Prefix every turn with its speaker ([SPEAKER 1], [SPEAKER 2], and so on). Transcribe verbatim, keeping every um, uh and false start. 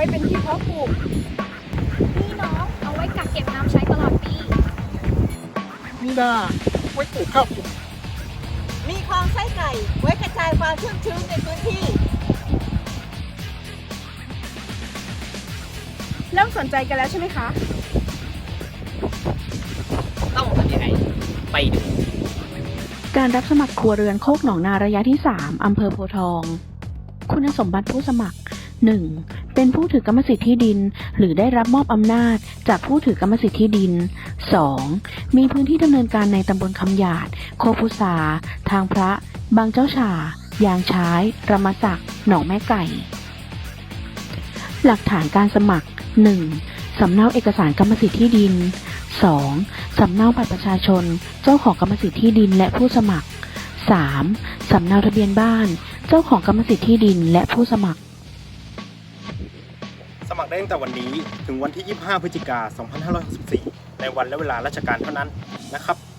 [SPEAKER 1] เป็นที่เพาะปลูก
[SPEAKER 2] นี่น้องเอาไว้กักเก็บน้ำใช้ตลอดปี
[SPEAKER 3] นี่นาไว้ปลูกข้าวปลูก
[SPEAKER 4] มีคลองไส้ไก่ไว้กระจายความชุ่มชื้นในพื้นที่
[SPEAKER 1] เริ่มสนใจกันแล้วใช่ไหมคะ
[SPEAKER 5] ต้องทำยังไงไปดู
[SPEAKER 6] การรับสมัครครัวเรือนโคกหนองนาระยะที่ สาม อำเภอโพธิ์ทอง คุณสมบัติผู้สมัคร หนึ่ง เป็นผู้ถือกรรมสิทธิ์ที่ดิน หรือได้รับมอบอำนาจจากผู้ถือกรรมสิทธิ์ที่ดิน สอง มีพื้นที่ดำเนินการในตำบลคำหยาด โคกพุษา ทางพระ บางเจ้าฉ่า ยางช้ายรมศักดิ์หนองแม่ไก่ หลักฐานการสมัคร หนึ่ง สำเนาเอกสารกรรมสิทธิ์ที่ดิน สอง สำเนาบัตรประชาชน เจ้าของกรรมสิทธิ์ที่ดินและผู้สมัคร สาม สำเนาทะเบียนบ้าน เจ้าของกรรมสิทธิ์ที่ดินและผู้สมัคร
[SPEAKER 3] สมัครได้ตั้งแต่วันนี้ถึงวันที่ ยี่สิบห้า พฤศจิกายน สองพันห้าร้อยหกสิบสี่ ในวันและเวลาราชการเท่านั้นนะครับ